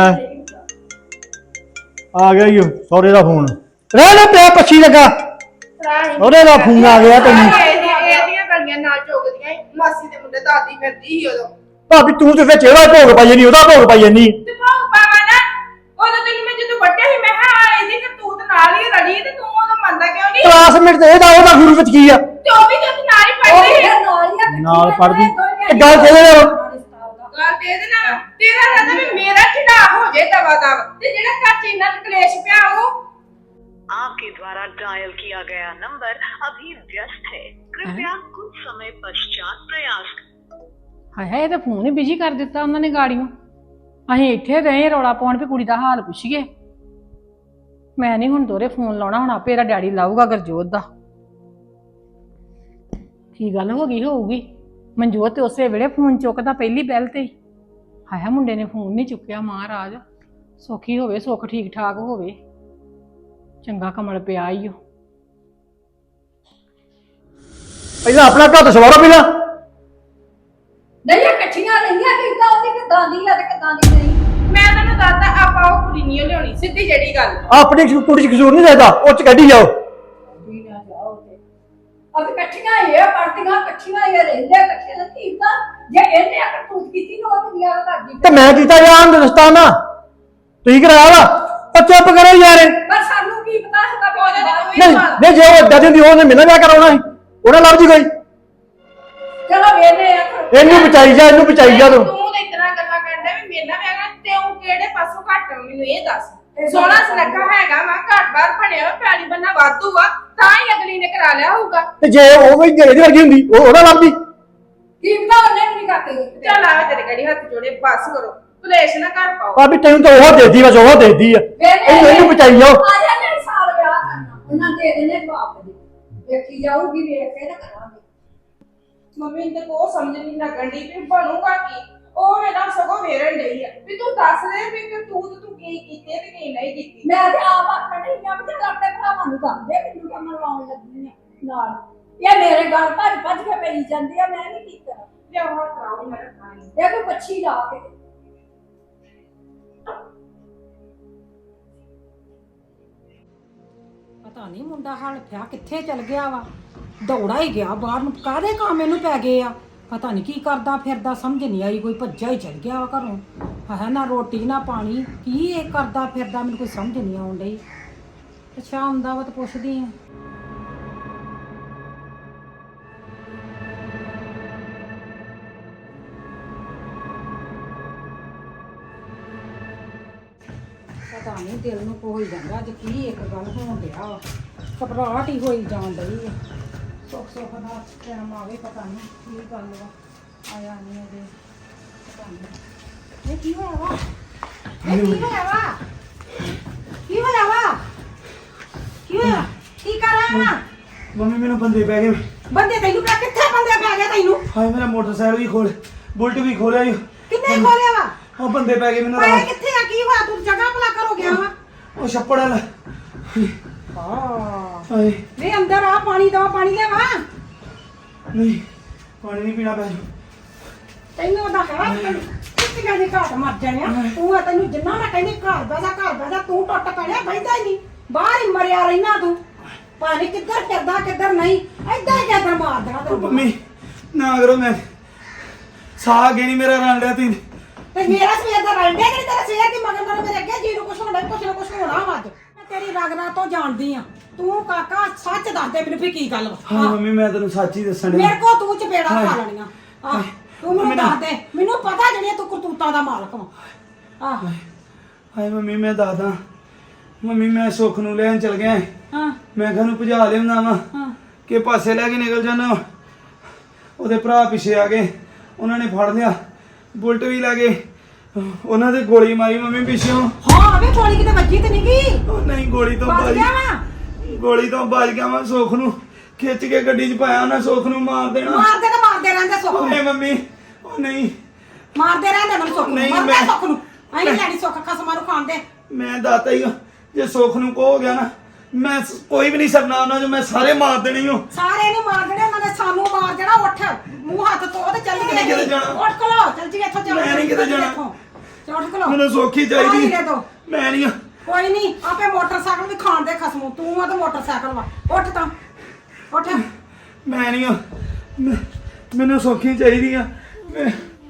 ਆ ਗਿਆ ਈ ਸਹੁਰੇ ਦਾ ਫੋਨ। ਰਹਿ ਲੈ ਪਿਆ ਪੱਛੀ ਲੱਗਾ, ਉਹਦੇ ਦਾ ਫੋਨ ਆ ਗਿਆ ਤੈਨੂੰ।
ਇਹਦੀਆਂ ਗਲੀਆਂ ਨਾਲ ਚੁਗਦੀਆਂ ਮਾਸੀ ਦੇ ਮੁੰਡੇ ਦਾਦੀ ਫਿਰਦੀ ਸੀ ਉਦੋਂ।
ਭਾਬੀ ਤੂੰ ਤੇ ਵਿੱਚ ਇਹਦਾ ਭੋਗ ਪਾਈ ਜਾਨੀ, ਉਹਦਾ ਭੋਗ ਪਾਈ ਜਾਨੀ।
ਤੇ ਭੋਗ ਪਾਵਾ ਨਾ, ਉਦੋਂ ਤੈਨੂੰ ਮੈਂ ਜਦੋਂ ਵੱਡਿਆ ਸੀ ਮੈਂ ਕਿਹਾ ਇਹਦੀ ਕਰਤੂਤ ਨਾਲ ਹੀ ਰਲੀ ਤੇ ਤੂੰ ਉਦੋਂ ਮੰਨਦਾ ਕਿਉਂ ਨਹੀਂ?
ਕਲਾਸਮੇਟ ਤੇ ਉਹਦਾ ਗੁਰੂ ਵਿੱਚ ਕੀ ਆ?
ਤੇ ਉਹ ਵੀ ਤੇ ਨਾਲ ਹੀ ਪੜ੍ਹਦੇ ਸੀ।
ਨਾਲ ਪੜ੍ਹਦੀ ਇਹ ਗੱਲ ਕਿਹਦੇ ਨਾਲ?
ਗੱਲ ਤੇ ਇਹਦੇ ਨਾਲ ਤੇਰਾ ਕਹਿੰਦਾ ਵੀ ਮੇਰਾ ਚੜਾ ਹੋ ਜੇ ਦਵਾ ਦਵ, ਤੇ ਜਿਹੜਾ ਘਰ ਚ ਇੰਨਾ ਕਲੇਸ਼ ਪਿਆ ਉਹ।
आपके द्वारा डायल किया गया नंबर अभी व्यस्त है, कृपया कुछ समय पश्चात प्रयास करें।
ਹਾਏ ਹਾਏ, ਇਹ ਤਾਂ ਫੋਨ ਹੀ ਬਿਜੀ ਕਰ ਦਿੱਤਾ ਉਹਨਾਂ ਨੇ ਗਾੜੀਆਂ। ਅਸੀਂ ਇੱਥੇ ਗਏ ਰੌਲਾ ਪਾਉਣ ਵੀ ਕੁੜੀ ਦਾ ਹਾਲ ਪੁੱਛੀਏ। ਮੈਂ ਨਹੀਂ ਹੁਣ ਦੋਰੇ ਫੋਨ ਲਾਉਣਾ, ਹੁਣ ਆਪੇ ਇਹਦਾ ਡੈਡੀ ਲਾਊਗਾ ਗੁਰਜੋਤ ਦਾ। ਕੀ ਗੱਲ ਹੋ ਗਈ ਹੋਊਗੀ? ਮਨਜੋਤ ਤੇ ਉਸੇ ਵੇਲੇ ਫੋਨ ਚੁੱਕਦਾ ਪਹਿਲੀ ਬੈਲ ਤੇ ਹੀ। ਹਾਇਆ ਮੁੰਡੇ ਨੇ ਫੋਨ ਨਹੀਂ ਚੁੱਕਿਆ। ਮਹਾਰਾਜ ਸੌਖੀ ਹੋਵੇ, ਸੁੱਖ ਠੀਕ ਠਾਕ ਹੋਵੇ, ਚੰਗਾ ਕਮਲ ਪਿਆ ਈ ਓ।
ਪਹਿਲਾਂ ਆਪਣਾ ਘਰ ਸਵਾਰੋ ਪਹਿਲਾਂ।
ਨਹੀਂ ਇਕੱਠੀਆਂ ਰਹੀਆਂ ਕਿਦਾਂ ਉਹਦੀ ਕਿਦਾਂ ਦੀ ਆ ਤੇ ਕਿਦਾਂ ਦੀ ਨਹੀਂ।
ਮੈਂ ਤੈਨੂੰ ਦੱਸਦਾ ਆਪਾਂ ਉਹ ਕੁੜੀ ਨਹੀਂ ਲਿਆਉਣੀ, ਸਿੱਧੀ ਜਿਹੜੀ ਗੱਲ।
ਆਪਣੀ ਕੁੜੀ ਚ ਕਸੂਰ ਨਹੀਂ ਰਹਿਦਾ, ਉਹ ਚ ਕੱਢੀ ਜਾਓ।
ਅਬ ਇਕੱਠੀਆਂ ਇਹ ਪੜਦੀਆਂ ਇਕੱਠੀਆਂ ਇਹ ਰਹਿੰਦੇ ਇਕੱਠੀਆਂ ਨਹੀਂ ਕੀਤਾ। ਜੇ ਇਹਨੇ ਕਰਤੂਤ ਕੀਤੀ ਨਾ ਉਹ ਦੁਨੀਆ ਦਾ ਕਰਦੀ।
ਤੇ ਮੈਂ ਕੀਤਾ ਜਾਣ ਰਸਤਾ ਨਾ ਤੁਸੀਂ ਕਰਾਇਆ ਵਾ। ਉਹ ਚੁੱਪ ਕਰੋ ਯਾਰ।
ਪਰ ਸਾਨੂੰ ਕੀ ਪਤਾ ਹੁੰਦਾ ਵੀ ਉਹਦੇ ਨਾਲ
ਨਹੀਂ ਨਹੀਂ, ਜੇ ਉਹ ਏਦਾਂ ਦੀ ਹੁੰਦੀ ਉਹਨੇ ਮੇਰੇ ਨਾਲ ਵਿਆਹ ਕਰਾਉਣਾ ਸੀ, ਉਹਨਾਂ ਲੱਭ ਜੀ ਕੋਈ।
ਚਲੋ ਵੇਨੇ ਆ
ਇਹਨੂੰ ਬਚਾਈ ਜਾ, ਇਹਨੂੰ ਬਚਾਈ ਜਾ ਤੂੰ।
ਤੂੰ ਤਾਂ ਇਤਨਾ ਗੱਲਾਂ ਕਰਦਾ ਵੀ ਮੇਰੇ ਨਾਲ ਵਿਆਹ ਤੇ ਉਹ ਕਿਹੜੇ ਪਾਸੋਂ ਘੱਟ ਆ, ਮੈਨੂੰ ਇਹ ਦੱਸ। ਸੋਹਣਾ ਸੁਨੱਖਾ ਹੈਗਾ ਵਾ, ਘਰ ਬਾਹਰ ਬਣਿਆ ਵਾ, ਪੈਲੀ ਬੰਨਾ ਵਾਧੂ ਆ, ਤਾਂ ਹੀ ਅਗਲੀ ਨੇ ਕਰਾ ਲਿਆ ਹੋਊਗਾ।
ਤੇ ਜੇ ਉਹ ਵੀ ਇਹਦੀ ਵਰਗੀ ਹੁੰਦੀ ਉਹ ਉਹਦਾ ਲੱਭਦੀ।
ਕੀ ਪਤਾ ਉਹਨੇ ਵੀ ਨਹੀਂ ਕਰਦੇ।
ਚੱਲ ਆਵੇ ਤੇਰੇ ਗੜੀ ਹੱਥ ਜੋੜੇ, ਬਸ ਕਰੋ, ਕਲੇਸ਼ ਨਾ ਕਰ ਪਾਓ।
ਭਾਬੀ ਤੈਨੂੰ ਤਾਂ ਉਹ ਦੇਦੀ, ਬਸ ਉਹ ਦੇਦੀ ਆ। ਇਹਨੂੰ ਬਚਾਈ ਜਾਓ।
ਆ ਜਾਂਦੇ ਸਾਲ ਵਿਆਹ ਕਰਨਾ ਉਹਨਾਂ ਦੇ ਦੇਣੇ ਜਵਾਬ ਦੇ। ਵੇਖੀ ਜਾਊਗੀ ਵੇਖ ਕੇ ਨਾ ਕਰਾਂਗੇ।
ਮੰਮੀ ਤੇ ਕੋ ਸਮਝ ਨਹੀਂ ਲੱਗਣ ਦੀ ਵੀ ਬਣੂਗਾ ਕੀ। ਉਹ ਮੇਰਾ ਸਗੋਂ ਵੇਰਨ ਡਈ ਆ ਵੀ ਤੂੰ ਦੱਸ ਦੇ ਵੀ ਤੂੰ ਕੀ ਕੀਤੇ ਤੇ ਕੀ ਨਹੀਂ ਕੀਤੀ।
ਮੈਂ ਤੇ ਆਪ ਆਖਣ ਨਹੀਂ ਆ ਵੀ ਆਪਣੇ ਭਰਾਵਾਂ ਨੂੰ ਦੱਸ ਦੇ ਮੈਨੂੰ ਕੰਮ ਲਾਉਣ ਲੱਗੀ ਆ ਨਾਲ। ਇਹ ਮੇਰੇ ਗੱਲ ਭੱਜ ਕੇ ਪਈ ਜਾਂਦੀ ਆ, ਮੈਂ ਨਹੀਂ ਕੀ ਕਰਾਂ।
ਲਿਆ ਹੋਰ ਕਰਾਓ ਮੇਰਾ ਖਾਣੀ।
ਇਹ ਕੋਈ ਪੱਛੀ ਲਾ ਕੇ
ਪਤਾ ਨਹੀਂ ਮੁੰਡਾ ਹਲਫਿਆ ਕਿੱਥੇ ਚਲ ਗਿਆ ਵਾ। ਦੌੜਾ ਹੀ ਗਿਆ ਬਾਹਰ ਨੂੰ, ਕਾਹਦੇ ਕੰਮ ਇਹਨੂੰ ਪੈ ਗਏ ਆ। ਪਤਾ ਨਹੀਂ ਕੀ ਕਰਦਾ ਫਿਰਦਾ, ਸਮਝ ਨਹੀਂ ਆਈ। ਕੋਈ ਭੱਜਾ ਹੀ ਚਲ ਗਿਆ ਵਾ ਘਰੋਂ। ਹੈ ਨਾ ਰੋਟੀ ਨਾ ਪਾਣੀ, ਕੀ ਇਹ ਕਰਦਾ ਫਿਰਦਾ, ਮੈਨੂੰ ਕੋਈ ਸਮਝ ਨਹੀਂ ਆਉਣ ਡਈ। ਅੱਛਾ ਆਉਂਦਾ ਵਾ ਤਾਂ ਪੁੱਛਦੀ ਆ। ਪਤਾ ਨਹੀਂ ਦਿਲ ਨੂੰ ਕੋਈ ਜਾਂਦਾ ਅੱਜ ਕੀ ਇੱਕ ਗੱਲ ਹੋਣ ਡਿਆ ਵਾ। ਘਬਰਾਹਟ ਹੀ ਹੋਈ ਜਾਣ ਡਈ ਆ। ਸੁੱਖ ਦਾ ਟਾਈਮ ਆਵੇ, ਪਤਾ ਨਹੀਂ ਕੀ ਗੱਲ ਵਾ। ਆਇਆ ਨਹੀਂ ਅਜੇ, ਪਤਾ ਨਹੀਂ ਇਹ ਕੀ ਹੋਇਆ ਵਾ। ਇਹ ਕੀ ਹੋਇਆ ਵਾ, ਕੀ ਹੋਇਆ ਵਾ, ਕੀ ਹੋਇਆ, ਕੀ ਕਰ ਰਿਹਾ ਵਾ।
ਮੰਮੀ ਮੈਨੂੰ ਬੰਦੇ ਪੈ ਗਏ।
ਬੰਦੇ ਤੈਨੂੰ ਪਿਆ ਕਿੱਥੇ ਬੰਦੇ ਪੈ ਗਏ ਤੈਨੂੰ?
ਹਾਏ ਮੇਰਾ ਮੋਟਰਸਾਈਕਲ ਵੀ ਖੋਲ, ਬੁਲਟ ਵੀ ਖੋਲਿਆ ਈ।
ਕਿੰਨੇ ਖੋਲਿਆ ਵਾ?
ਉਹ ਬੰਦੇ ਪੈ ਗਏ ਮੈਨੂੰ।
ਪਾਇਆ ਕਿੱਥੇ ਆ, ਕੀ ਹੋਇਆ, ਤੂੰ ਜਗ੍ਹਾ ਭਲਾ ਕਰੋ ਗਿਆ ਵਾ।
ਉਹ ਛੱਪੜ ਵਾਲਾ। ਹਾਏ
ਵੇ ਅੰਦਰ ਆ, ਪਾਣੀ ਦਾ ਪਾਣੀ ਲਿਆਵਾ।
ਨਹੀਂ ਪਾਣੀ ਨਹੀਂ ਪੀਣਾ ਪੈ।
ਤੈਨੂੰ ਉਹਦਾ ਹੈ ਕਿੱਥੇ ਦੇ ਘਾਟ ਮਰ ਜਾਣਿਆ ਤੂੰ। ਆ ਤੈਨੂੰ ਜਿੰਨਾ ਮੈਂ ਕਹਿੰਦੀ ਘਰ ਬੈਠਾ ਤੂੰ ਟੁੱਟ ਪੈਣਿਆ, ਬੈਠਦਾ ਹੀ ਨਹੀਂ, ਬਾਹਰ ਹੀ ਮਰਿਆ ਰਹਿਣਾ ਤੂੰ। ਪਾਣੀ ਕਿੱਧਰ ਕਰਦਾ ਕਿੱਧਰ ਨਹੀਂ, ਏਦਾਂ ਹੀ ਕਿੱਧਰ ਮਾਰ ਦੇਣਾ ਤੈਨੂੰ।
ਮੰਮੀ ਨਾ ਕਰੋ, ਮੈਂ ਸਾਹ ਅੱਗੇ ਨਹੀਂ ਮੇਰਾ ਰਣ ਰਿਹਾ। ਤੀ
ਤੇ ਮੇਰਾ ਸਵੇਰ ਦਾ ਰੰਡੇ ਕਿ ਤੇਰਾ ਸਵੇਰ ਦੀ ਮਗਰ ਮੇਰੇ ਅੱਗੇ ਜੀ ਨੂੰ ਕੁਛ ਹੋਣਾ ਕੁਛ ਨਾ ਕੁਛ ਹੋਣਾ ਵਾ ਅੱਜ ਮੈਂ ਤੇਰੀ ਰਗਨਾ ਤੋਂ ਜਾਣਦੀ ਆ ਤੂੰ ਕਾਕਾ ਸੱਚ ਦੱਸ ਦੇ ਮੈਨੂੰ ਵੀ ਕੀ ਗੱਲ ਵਾ
ਹਾਂ ਮੰਮੀ ਮੈਂ ਤੈਨੂੰ ਸੱਚ ਹੀ ਦੱਸਣ
ਮੇਰੇ ਕੋ ਤੂੰ ਚਪੇੜਾ ਖਾ ਲੈਣੀਆਂ ਆਹ ਤੂੰ ਮੈਨੂੰ ਦੱਸ ਦੇ ਮੈਨੂੰ ਪਤਾ ਜਿਹੜੀ ਤੂੰ ਕਰਤੂਤਾਂ ਦਾ ਮਾਲਕ ਵਾ ਆਹ
ਹਾਏ ਮੰਮੀ ਮੈਂ ਦੱਸਦਾ ਮੰਮੀ ਮੈਂ ਸੁੱਖ ਨੂੰ ਲੈਣ ਚਲ ਗਿਆ
ਹਾਂ
ਮੈਂ ਕਿਹਾ ਨੂੰ ਭਜਾ ਲਿਆਉਂਦਾ ਵਾ
ਹਾਂ
ਕਿ ਪਾਸੇ ਲੈ ਕੇ ਨਿਕਲ ਜਾਣਾ ਉਹਦੇ ਭਰਾ ਪਿੱਛੇ ਆ ਗਏ ਉਹਨਾਂ ਨੇ ਫੜ ਲਿਆ ਬੁਲਟ ਵੀ ਲੈ ਗਏ ਉਹਨਾਂ ਦੇ ਗੋਲੀ ਮਾਰੀ ਮੰਮੀ ਪਿੱਛੋਂ
ਹਾਂ ਵੇ ਗੋਲੀ ਕਿਤੇ ਵੱਜੀ ਤੇ ਨਹੀਂ ਗਈ
ਉਹ ਨਹੀਂ ਗੋਲੀ ਤੋਂ
ਬਚ ਗਿਆ ਵਾ
ਗੋਲੀ ਤੋਂ ਬਚ ਗਿਆ ਮੈਂ ਸੁੱਖ ਨੂੰ ਖਿੱਚ ਕੇ ਗੱਡੀ 'ਚ ਪਾਇਆ ਉਹਨਾਂ ਸੁੱਖ ਨੂੰ ਮਾਰ ਦੇਣਾ
ਮਾਰਦੇ ਰਹਿੰਦੇ ਸੁੱਖ ਨੂੰ
ਓਏ ਮੰਮੀ ਉਹ ਨਹੀਂ
ਮਾਰਦੇ ਰਹਿੰਦੇ ਮੈਨੂੰ ਸੁੱਖ ਨੂੰ
ਨਹੀਂ,
ਮਾਰਦੇ
ਮੈਂ-
ਸੁੱਖ ਨੂੰ ਅਸੀਂ ਲੈਣੀ ਸੁੱਖ ਖਸਮਾਂ ਨੂੰ ਖਾਂਦੇ
ਮੈਂ ਦਾਤਾ ਹੀ ਹਾਂ। ਜੇ ਸੁੱਖ ਨੂੰ ਕੋ ਹੋ ਗਿਆ ਨਾ ਮੈਂ ਕੋਈ ਵੀ ਨਹੀਂ ਸਰਨਾ ਉਹਨਾਂ ਨੂੰ ਮੈਂ ਸਾਰੇ ਮਾਰ ਦੇਣੀ ਹੋ
ਸਾਰੇ ਨੂੰ ਮਾਰ ਦੇਣੇ ਉਹਨਾਂ ਨੇ ਸਾਨੂੰ ਮਾਰ ਦੇਣਾ ਉੱਠ ਮੂੰਹ ਹੱਥ ਧੋ ਤੇ ਚੱਲ
ਮੈਂ ਨਹੀਂ ਕਿਤੇ ਜਾਣਾ।
ਉੱਠ ਖਲੋ ਚੱਲ ਜੀ ਇੱਥੋਂ ਚੱਲ
ਮੈਂ ਨਹੀਂ ਕਿਤੇ ਜਾਣਾ।
ਉੱਠ ਖਲੋ
ਮੈਨੂੰ ਸੌਖੀ ਚਾਹੀਦੀ
ਪਾਣੀ ਦੇ ਦਿਓ।
ਮੈਂ ਨਹੀਂ
ਕੋਈ ਨਹੀਂ ਆਪੇ ਮੋਟਰਸਾਈਕਲ ਵੀ ਖਾਣ ਦੇ ਖਸਮੂ ਤੂੰ ਆ ਤੇ ਮੋਟਰਸਾਈਕਲ ਵਾ ਉੱਠ ਤਾਂ ਉੱਠ
ਮੈਂ ਨਹੀਂ ਮੈਨੂੰ ਸੌਖੀ ਚਾਹੀਦੀ ਆ ਮੈਂ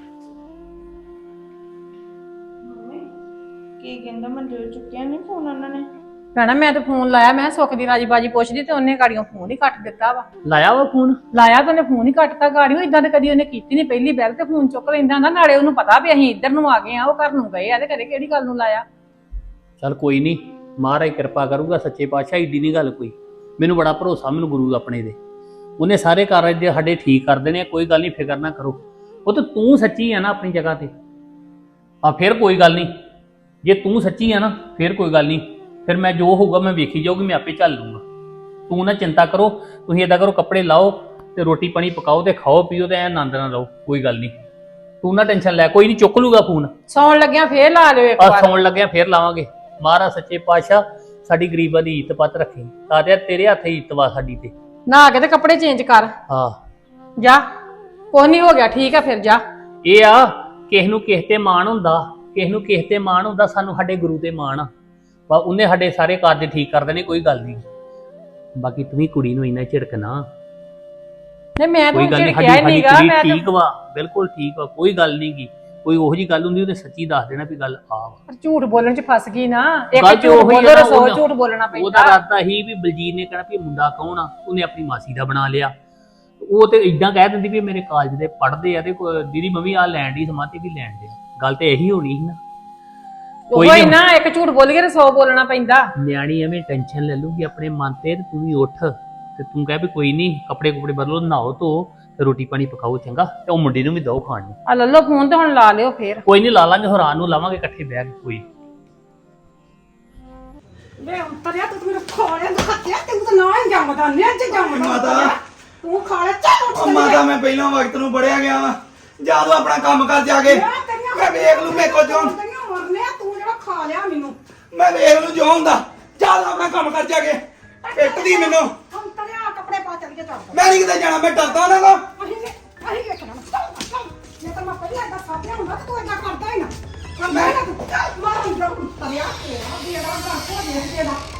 ਕੀ ਕਹਿੰਦਾ ਮੰਜੇ ਚੁੱਕਿਆ ਨਹੀਂ ਫੋਨ ਉਹਨਾਂ ਨੇ
ਭੈਣਾ ਮੈਂ ਤਾਂ ਫੋਨ ਲਾਇਆ ਮੈਂ ਸੁੱਖ ਦੀ ਰਾਜੀ ਬਾਜੀ ਪੁੱਛਦੀ ਤੇ ਉਹਨੇ ਗਾੜੀਆਂ ਫੋਨ ਹੀ ਕੱਟ ਦਿੱਤਾ ਵਾ
ਲਾਇਆ ਵਾ ਫੋਨ
ਲਾਇਆ ਤਾਂ ਉਹਨੇ ਫੋਨ ਹੀ ਕੱਟਤਾ ਗਾੜੀਆਂ ਇਦਾਂ ਤੇ ਕਦੀ ਉਹਨੇ ਕੀਤੀ ਨਹੀਂ ਪਹਿਲੀ ਬੈਲ ਤੇ ਫੋਨ ਚੁੱਕ ਲੈਂਦਾ ਹੁੰਦਾ ਨਾਲੇ ਉਹਨੂੰ ਪਤਾ ਵੀ ਅਸੀਂ ਇੱਧਰ ਨੂੰ ਆ ਗਏ ਆ ਉਹ ਘਰ ਨੂੰ ਗਏ ਆ ਤੇ ਘਰੇ ਕਿਹੜੀ ਗੱਲ ਨੂੰ ਲਾਇਆ
ਚੱਲ ਕੋਈ ਨਹੀਂ ਮਹਾਰਾਜ ਕਿਰਪਾ ਕਰੂਗਾ ਸੱਚੇ ਪਾਤਸ਼ਾਹ ਏਡੀ ਨਹੀਂ ਗੱਲ ਕੋਈ ਮੈਨੂੰ ਬੜਾ ਭਰੋਸਾ ਮੈਨੂੰ ਗੁਰੂ ਆਪਣੇ ਦੇ ਉਹਨੇ ਸਾਰੇ ਕਾਰਜ ਦੇ ਸਾਡੇ ਠੀਕ ਕਰ ਦੇਣੇ ਆ ਕੋਈ ਗੱਲ ਨਹੀਂ ਫਿਕਰ ਨਾ ਕਰੋ ਉਹ ਤਾਂ ਤੂੰ ਸੱਚੀ ਆ ਨਾ ਆਪਣੀ ਜਗ੍ਹਾ ਤੇ ਆ ਫਿਰ ਕੋਈ ਗੱਲ ਨਹੀਂ ਜੇ ਤੂੰ ਸੱਚੀ ਆ ਨਾ ਫਿਰ ਕੋਈ ਗੱਲ ਨਹੀਂ ਫਿਰ ਮੈਂ ਜੋ ਹੋਊਗਾ ਮੈਂ ਵੇਖੀ ਜਾਊਗੀ ਮੈਂ ਆਪੇ ਚੱਲ ਲੂੰਗਾ ਤੂੰ ਨਾ ਚਿੰਤਾ ਕਰੋ ਤੁਸੀਂ ਏਦਾਂ ਕਰੋ ਕੱਪੜੇ ਲਾਓ ਤੇ ਰੋਟੀ ਪਾਣੀ ਪਕਾਓ ਤੇ ਖਾਓ ਪੀਓ ਤੇ ਐ ਆਨੰਦ ਨਾਲ ਰਹੋ ਕੋਈ ਗੱਲ ਨਹੀਂ ਤੂੰ ਨਾ ਟੈਨਸ਼ਨ ਲੈ ਕੋਈ ਨਹੀਂ ਚੁੱਕ ਲੂਗਾ ਫੋਨ
ਸੌਣ ਲੱਗਿਆ ਫੇਰ ਲਾ ਲਿਓ ਇੱਕ
ਆ
ਵਾਰ
ਸੌਣ ਲੱਗਿਆ ਫੇਰ ਲਾਵਾਂਗੇ ਮਹਾਰਾਜ ਸੱਚੇ ਪਾਤਸ਼ਾਹ ਸਾਡੀ ਗਰੀਬਾਂ ਦੀ ਇੱਜ਼ਤ ਪੱਤ ਰੱਖੀ ਤਾਰਿਆ ਤੇਰੇ ਹੱਥ ਹੀ ਇੱਜ਼ਤ ਵਾ ਸਾਡੀ ਤੇ
ਨਹਾ ਕੇ ਤੇ ਕੱਪੜੇ ਚੇਂਜ ਕਰ
ਹਾਂ
ਜਾ ਕੁਛ ਨਹੀਂ ਹੋ ਗਿਆ ਠੀਕ ਆ ਫਿਰ ਜਾ
ਇਹ ਆ ਕਿਸ ਨੂੰ ਕਿਸ ਤੇ ਮਾਣ ਹੁੰਦਾ ਕਿਸ ਨੂੰ ਕਿਸ ਤੇ ਮਾਣ ਹੁੰਦਾ ਸਾਨੂੰ ਸਾਡੇ ਗੁਰੂ ਤੇ ਮਾਣ ਆ ਵਾ ਉਹਨੇ ਸਾਡੇ ਸਾਰੇ ਕਾਰਜ ਠੀਕ ਕਰ ਦੇਣੇ ਕੋਈ ਗੱਲ ਨਹੀਂ ਬਾਕੀ ਤੂੰ ਵੀ ਕੁੜੀ ਨੂੰ ਇੰਨਾ ਝਿੜਕਣਾ
ਨਹੀਂ ਮੈਂ ਤਾਂ
ਕੋਈ ਗੱਲ ਨਹੀਂ
ਝਿੜਕਿਆ ਹੀ ਨਹੀਂਗਾ
ਕੁੜੀ
ਮੈਂ
ਠੀਕ ਵਾ ਬਿਲਕੁਲ ਠੀਕ ਵਾ ਕੋਈ ਗੱਲ ਨਹੀਂ ਗੀ ਕੋਈ ਉਹੋ ਜੀ ਗੱਲ ਹੁੰਦੀ ਉਹਨੇ ਸੱਚੀ ਦੱਸ ਦੇਣਾ ਵੀ ਗੱਲ ਆ ਵਾ
ਝੂਠ ਬੋਲਣ ਚ ਫਸ ਗਈ ਨਾ ਇੱਕ
ਗੱਲ ਤੇ
ਝੂਠ
ਉਹੀ ਆ
ਬੋਲੋ
ਨਾ,
ਰਸੋ
ਉਹਦਾ-
ਝੂਠ ਬੋਲਣਾ
ਉਹਦਾ
ਪੈਂਦਾ
ਇਰਾਦਾ ਹੀ ਵੀ ਬਲਜੀਤ ਨੇ ਕਹਿਣਾ ਵੀ ਇਹ ਮੁੰਡਾ ਕੌਣ ਆ ਉਹਨੇ ਆਪਣੀ ਮਾਸੀ ਦਾ ਬਣਾ ਲਿਆ ਉਹ ਤੇ ਇਦਾਂ ਕਹਿ ਦਿੰਦੀ ਵੀ ਮੇਰੇ ਕਾਲਜ ਦੇ ਪੜ੍ਹਦੇ ਆ ਤੇ ਦੀਦੀ ਮੰਮੀ ਆ ਲੈਣ ਦੀ ਸਮਾਤੀ ਵੀ ਲੈਣ ਦੇ ਗੱਲ ਤੇ ਇਹੀ ਹੋਣੀ ਸੀ ਨਾ ਕੋਈ
ਉਹ
ਨੀ।
ਹੀ ਨਾ ਇੱਕ ਝੂਠ ਬੋਲ ਕੇ ਰਸੋ ਬੋਲਣਾ ਪੈਂਦਾ
ਨਿਆਣੀ ਐਵੇਂ ਟੈਨਸ਼ਨ ਲੈ ਲੂਗੀ ਆਪਣੇ ਮਨ ਤੇ ਤੂੰ ਵੀ ਉੱਠ ਤੇ ਤੂੰ ਕਹਿ ਵੀ ਕੋਈ ਨਹੀਂ ਕੱਪੜੇ ਕੁਪੜੇ ਬਦਲੋ ਨਹਾਓ ਧੋ ਤੇ ਰੋਟੀ ਪਾਣੀ ਪਕਾਓ ਚੰਗਾ ਤੇ ਉਹ ਮੁੰਡੇ ਨੂੰ ਵੀ ਦੋ ਖਾਣ ਨੂੰ
ਆ ਲੱਲੋ ਫੋਨ ਤੇ ਹੁਣ ਲਾ ਲਿਓ ਫੇਰ
ਕੋਈ ਨਹੀਂ ਲਾ ਲਾਂਗੇ ਹੈਰਾਨ ਨੂੰ ਲਾਵਾਂਗੇ ਇਕੱਠੇ ਬਹਿ ਕੇ ਕੋਈ
ਵੇ ਉਤਰਿਆ ਤੂੰ ਮੇਰੇ ਖੋਲੇ ਨੂੰ ਖੱਤਿਆ ਤੂੰ ਤਾਂ ਨਾ ਹੀ ਜੰਮਦਾ ਨਿੱਜ ਜੰਮਦਾ
ਮਾਤਾ।
ਤੂੰ ਖਾ ਲੈ ਚੱਲ ਉੱਠ
ਉਹ ਮਾਤਾ ਮੈਂ ਪਹਿਲਾਂ ਵਕਤ ਨੂੰ ਬੜਿਆ ਗਿਆ ਵਾ ਜਾ ਤੂੰ ਆਪਣਾ ਕੰਮ ਕਰ ਜਾ ਕੇ ਮੈਂ ਵੇਖ ਲੂ ਮੇਰੇ ਕੋਲ ਜੋ
ਮਰਨੇ ਆ, ਤੂੰ ਜਿਹੜਾ ਖਾ ਲਿਆ ਮੈਨੂੰ
ਮੈਂ ਵੇਖ ਲੂ ਜੋ ਹੁੰਦਾ ਜਾ ਤੂੰ ਆਪਣਾ ਕੰਮ ਕਰ ਜਾ ਕੇ ਪਿੱਟਦੀ ਮੈਨੂੰ
ਉਤਰਿਆ ਕੱਪੜੇ ਪਾ ਚੱਲ ਕੇ ਚੱਲ
ਮੈਂ ਨਹੀਂ ਕਿਤੇ ਜਾਣਾ ਮੈਂ ਡਰਦਾ ਉਹਨਾਂ ਤੋਂ
ਅਸੀਂ ਵੇਖਣਾ ਜੇ ਤਾਂ ਮੈਂ ਪਹਿਲਾਂ ਏਦਾਂ ਸਾਥਿਆ ਹੁੰਦਾ ਤਾਂ ਤੂੰ ਏਦਾਂ ਕਰਦਾ ਹੀ ਨਾ ਮੈਂ ਮਾਰ ਹੀ ਜਾ ਉਤਰਿਆ ਤੇਰਾ ਬੇੜਾ ਦਾ ਕੋ ਦੇ ਦੇਣਾ